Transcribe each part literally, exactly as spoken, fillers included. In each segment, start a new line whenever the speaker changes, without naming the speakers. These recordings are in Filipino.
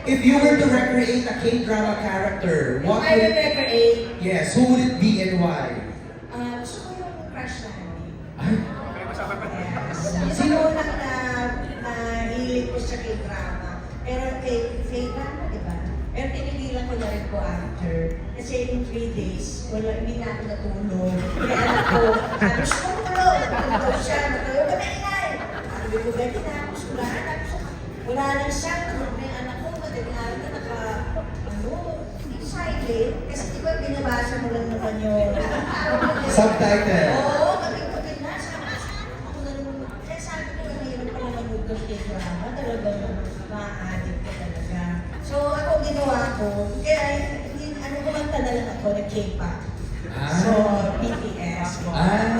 If you were to recreate a K-drama character, what
I will
would...
recreate.
Yes, who would it be and why?
Ah, gusto ko yung crush namin.
Ay,
Yes. Sino unang na nahilig ko sa K-drama. Pero kay K-drama, di ba? Pero tinigilan ko na rin po after. Kasi in three days, wala, hindi na ako natulog. Kaya anak ko, sabi, gusto ko matulog. Matulog siya, matulog ka na ingay. Sabi ko, Betty na ako, sulahan ako siya. Wala lang siya, tulog na yung anak ko, madaling araw na naka, ano, hindi silent. Kasi di ba binabasa mo lang naman yung...
subtitle.
Oo, kapit-kapit na. Sabi, ako na naman. Kaya sabi ko, nahirap pa naman mag ng K-drama. Talagang ma-addict ka talaga. So, ako ginawa ko, kaya hindi, ano kumanta na lang ako, na K-pop.
Ah.
So, B T S.
Ah.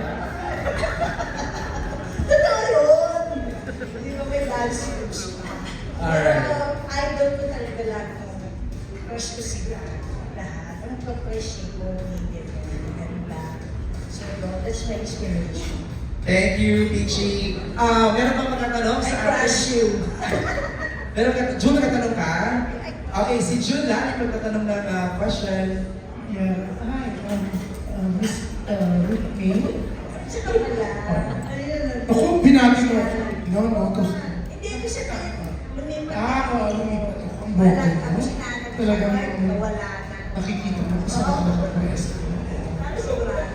Totoo yun. Hindi ko may dance moves.
Alright.
Pero, idol ko talaga lahat ng crush ko sila. Lahat. Ang pag-crush ko, hindi ko. Ganda. So, that's my inspiration.
Thank you, Pichi. Ah, meron bang matatanong
I
sa
crush you.
Meron ka, Jun, nagtatanong ka? Okay, si Jun lang yung magtatanong ng uh, question.
Yeah. Hi, um, uh, Miss uh, Ruth May.
Sa kapala. Ayun.
Ako, binati ko. No, no, tapos,
Hindi ko siya lumipat.
ah, oo, lumipat ako. Ang
Wala.
bokal ko.
Tapos sinanap ko
Talagang
siya. Wala na.
nakikita mo sa mga ng press.
Ano sigurado?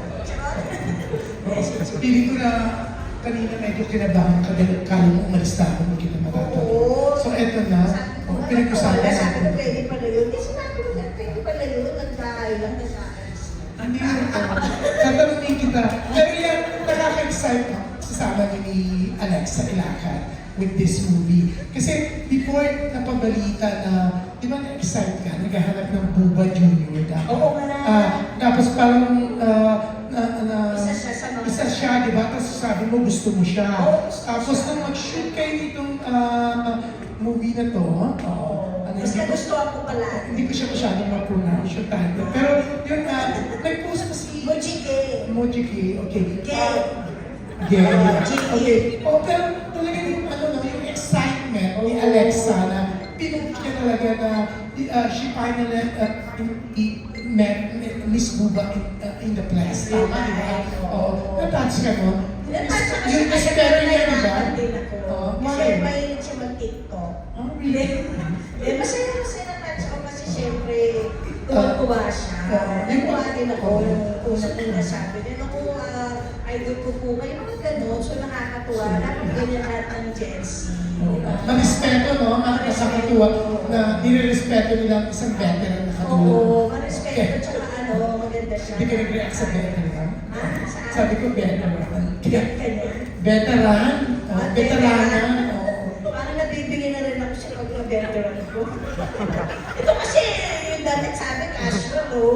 Charot.
Feeling ko na kanina medyo kinabahan ka dahil kala mo umalis na ako, hindi kita matatanong.
Oo.
So, eto na.
Sabi ko,
Oh, pinag-usapan
wala. Sabi ko,
natin.
pwede pala yun. Hindi sinabi ko na pwede pala yun. Nagdahay lang na sa akin.
Hindi yun. Tatanungin kita. Pero yan, nakaka-excite ako. Sasama niyo ni Alexa Ilacan with this movie. Kasi before napabalita na, di ba na-excite ka, naghahanap ng Buba Junior dapat.
Oo nga na.
Ah, tapos parang, ah, na, na,
Isa siya sa mga-
isa siya, di ba? Tapos sabi mo, gusto mo siya.
Oo, gusto ko
Tapos
siya.
nung mag-shoot kayo nitong ah, movie na to, oo. Ano,
Mas
hindi ko-
nagustuhan ko pala.
hindi ko siya masyadong ma-pronounce yung title. Pero yun na, nag-post pa si
Mojike.
Mojiki, okay.
Gay.
Gay.
Mojiki.
Okay. Oh, pero talaga yung ano no, yung excitement ni Alexa na pinush niya talaga na uh, she finally uh, i- met Miss Buba in, uh, in the place. Tama, di ba? Oo. Na-touch ka mo?
Natouch ako
Yung
kasi
espero niya, di ba?
nahihirapan din ako.
Oo.
Kasi
Bakit?
mahilig siya mag-TikTok.
Oh, really?
Eh, masaya masaya na-touch ako kasi syempre tuwa-tuwa siya.
Oo.
Natuwa din ako
Oo.
yung unang-una sabi niya, naku, ah, idol ko po kayo, mga ganun. So nakakatuwa. Dapat ganyan lahat ng Gen Z.
Marespeto, no? Nakakatuwa na nire-respeto nila ang isang veteran na katulad.
Oo, marespeto tsaka ano, maganda siya.
Hindi ka nag-react sa veteran?
Ah, saan?
Sabi ko veteran.
Kaya kanya.
Veteran? Oh,
Ah,
veteranan?
veteran.
Oo.
Parang nabibigyan na rin ako sa pag-veteran ko. Ito kasi, yung dati sabi, casual, no?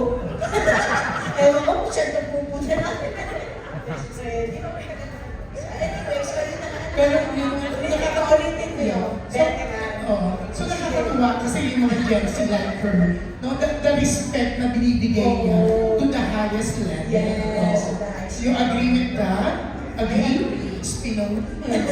Ewan ko kung saan napupunta natin. So, hindi ko anyway, so yun na nga.
Pero yung
Nakakaulitin mo yun.
So,
Veteran.
oh, so nakakatuwa kasi yung mga Gen Z like her, no? The, the respect na binibigay niya to the highest level.
Yes,
Oo.
the highest
You agree with that? Agree? Spino?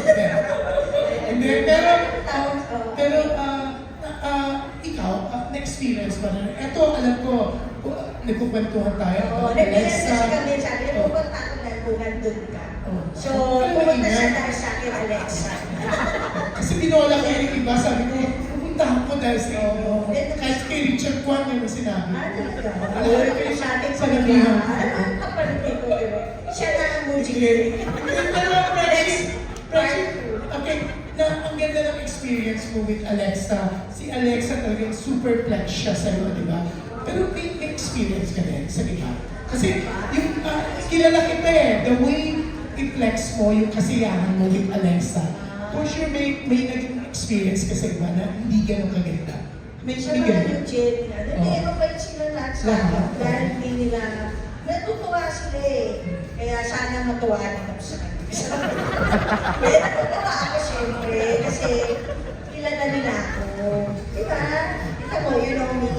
Hindi, pero, um, pero, uh, uh, ikaw, uh, na-experience ba na? Ito, alam ko, uh, nagkukwentuhan tayo.
Oo,
about
nag-message
Alexa.
kasi kami, sabi niya,
Oh.
pupunta ako na kung nandun ka.
Oh.
So,
Pero
pumunta
maingat.
siya dahil sa akin, Alexa.
Kasi binola ko yung iba, sabi ko, pupunta ako dahil sa inyo.
Oo.
Kahit kay Richard Kwan yung sinabi.
Ah, talaga?
Alam
Alam
ko
ko
yung
sa ating
sa nabihan.
Ano ang kapalitin ko, diba? Siya na ang
Sige.
mujigil.
Pero, Reggie, Reggie, okay, na ang ganda ng experience mo with Alexa. Si Alexa talagang super flex siya sa'yo, di ba? Pero may may experience ka rin sa iba. Kasi yung ah, kilala kita eh, the way i-flex mo yung kasiyahan mo with Alexa. For sure, may, may naging experience ka sa iba na hindi ganun kaganda. May
Siya
hindi
naman
ganun.
yung Jenny na. Hindi,
Oo.
mabait sila lahat sa
Lahat.
akin. Dahil hindi nila, natutuwa sila eh. Kaya sana matuwa din ako sa kanila. Kaya natutuwa ako syempre. Kasi kilala nila ako. Diba? Kita mo, you know me?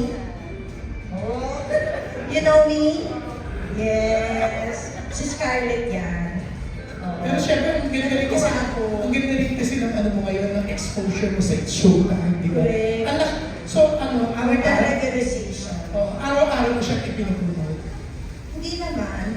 Oh. You know me? Yes. Si Scarlett yan. Oh.
Pero syempre, ang ganda rin kasi,
Natutuwa ako.
ang ganda rin kasi ng ano mo ngayon, ng exposure mo sa showtime, di ba?
Correct.
Ang laki-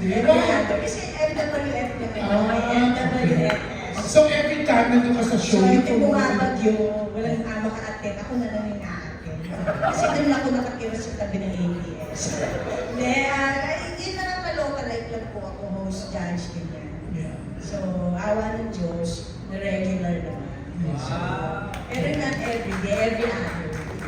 Hindi.
Regular. Kasi M W F naman.
Ah,
M W F.
So every time nandun ka sa
So,
show,
yung bumabagyo, walang ama ka-attend, ako na lang yung na-attend. Kasi doon ako nakatira sa tabi ng A B S. Hindi, ah, yun na lang ka-local life lang po ako, host, judge, ganyan.
Yeah.
So, awa ng Diyos, na regular naman. So, pero not every day, every hour.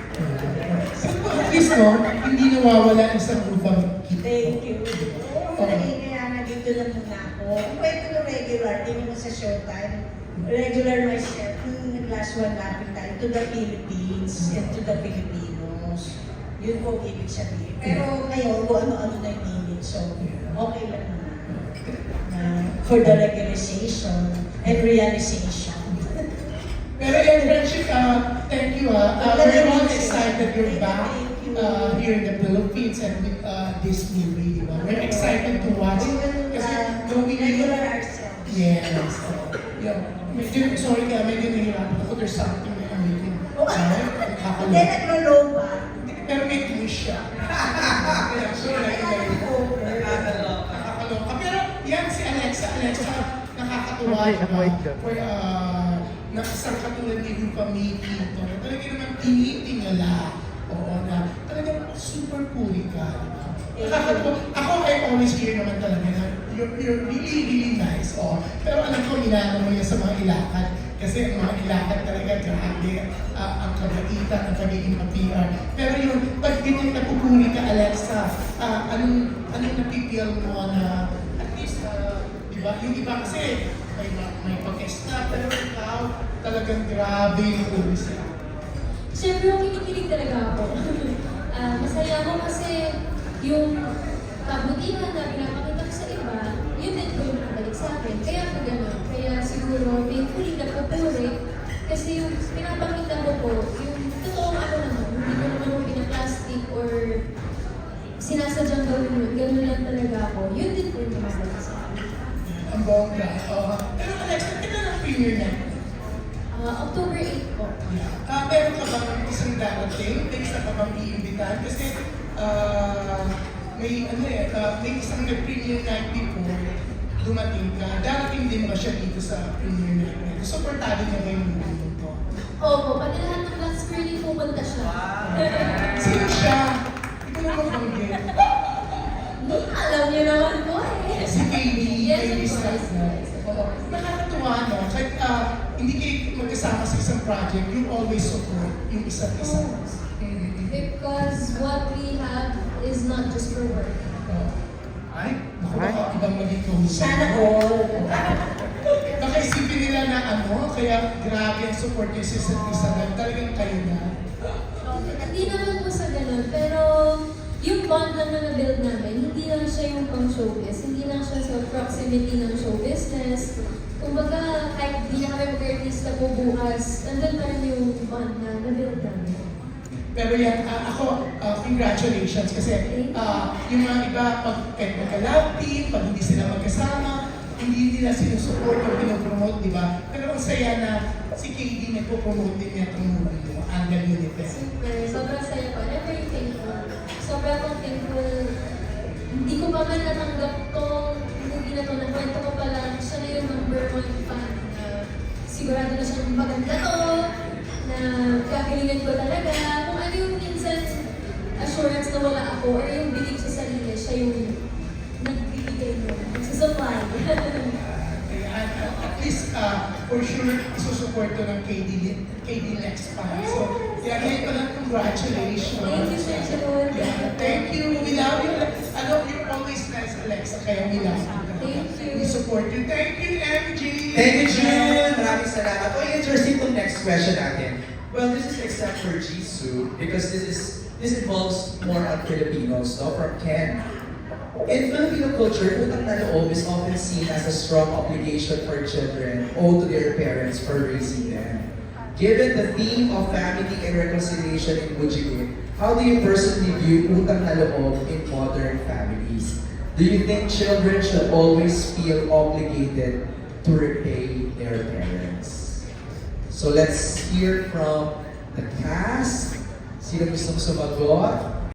So, at least, no, hindi nawawala ang isang upang kita.
Thank you. Oo, naging kaya na dito lang muna ako. Kung pwede ko regular, tingin mo sa showtime, regular myself, yung last one lapit tayo, to the Philippines and to the Filipinos. Yun po ang ibig sabihin. Pero ngayon, kung ano-ano na yung meaning, so okay lang naman. Uh, for the regularization and realization.
Pero yung friendship, uh, thank you, uh, uh, we're all excited you're back uh, here in the Philippines and with uh, this movie, di ba? We're excited to watch.
We will
Kasi
uh,
going
regular
in,
ourselves.
yes. Yeah. Medyo, sorry ka, medyo nahihirapan ako. There's something na amazing. Right?
Hindi,
Nakakalok.
naglo-low ba?
Pero may twist siya. Kaya, sure,
Kaya
like,
over.
nakakaloka. Pero yan si Alexa. Alexa, nakakatuwa diba? For, uh, na isang katulad ni Rupa May Pinto, na talaga naman tinitingala. Oo, na talagang super puri ka. Diba? Nakakatuwa. Ako, I always hear naman talaga na you're, you're really, really nice. Oh. Pero alam ko, inaano mo yan sa mga ilakad. Kasi ang mga ilakad talaga, grabe, uh, ang kabaitan, ang pagiging P R. Pero yung, pag ganyan napupuri ka, Alexa, uh, anong, anong napipil mo na, at least, uh, diba? Yung iba kasi, may, may pag-stop, pero ikaw, talagang grabe yung puri siya.
Siyempre, yung kinikilig talaga ako. Ah, masaya ako kasi yung kabutihan na pinapakita ko sa iba, yun din ko yung nakabalik sa akin. Kaya ako gano'n. Kaya siguro, painfully na pupuri. Kasi yung pinapakita ko po, yung totoong ako naman, hindi ko naman yung pinaplastic or sinasadyang gawin yun. Gano'n lang talaga ako. Yun din po yung nakabalik sa akin.
Ang bongga. Uh, pero Alexa, kailan ang premiere na?
Ah, October eighth po.
Ah, meron ka bang isang darating? May isa ka bang iimbitahan? Kasi ah, may ano eh, ah, may isang nag-premiere night before dumating ka. Darating din ba siya dito sa premiere night na ito? Supportado niya ba yung movie mo to?
Opo, pati lahat ng Black Screening pupunta siya.
Sino siya? Hindi ko naman banggit.
Alam niyo naman po eh.
Si K D,
Yes,
K D
of course.
Sasna. Oo. Nakakatuwa no? Kahit ah, hindi kayo magkasama sa isang project, you always support yung isa't isa. Mm-hmm.
Because what we have is not just for work.
Oh. Ay, naku, baka ibang maging kausap.
Sana all.
Baka isipin nila na ano, kaya grabe ang support niyo sa isa't isa na talagang kayo na.
Hindi naman po sa ganun, pero yung bond lang na na-build namin, hindi lang siya yung pang showbiz, hindi lang siya sa proximity ng show business. Kumbaga, kahit di na kami mag-artista po bukas, nandun pa rin yung bond na na-build namin.
Pero yan, ah, ako, ah, congratulations kasi ah, yung mga iba, pag kahit magka-love team, pag hindi sila magkasama, hindi nila sinusupport o pinopromote, di ba? Pero ang saya na si K D nagpo-promote din niya itong movie mo, Angal United.
Super, sobrang saya ko. I'm very thankful. Sobrang akong thankful. Hindi ko pa man natanggap tong movie na to. Nakwento ko pa lang, siya na yung number one fan na sigurado na siyang maganda to, na kagalingan ko talaga. Kung ano yung minsan assurance na wala ako or yung belief sa sarili, siya yung nagbibigay mo. Nagsusupply.
Kaya at least, uh, for sure, isusupport to ng K D, K D Lex pa. So, yeah, ngayon pa lang, congratulations.
Thank you, Sir Jun.
Yeah, thank you. We love you. I know you're always nice, Alexa, kaya we love you.
Thank you.
We support you. Thank you, M G.
Thank you, Jun! Maraming salamat. O, interesting itong next question natin. Well, this is except for Jisoo because this is this involves more on Filipinos, no? From Ken. In Filipino culture, utang na loob is often seen as a strong obligation for children owed to their parents for raising them. Given the theme of family and reconciliation in Bujigit, how do you personally view utang na loob in modern families? Do you think children should always feel obligated to repay their parents? So let's hear from the cast. Sino gustong sumagot?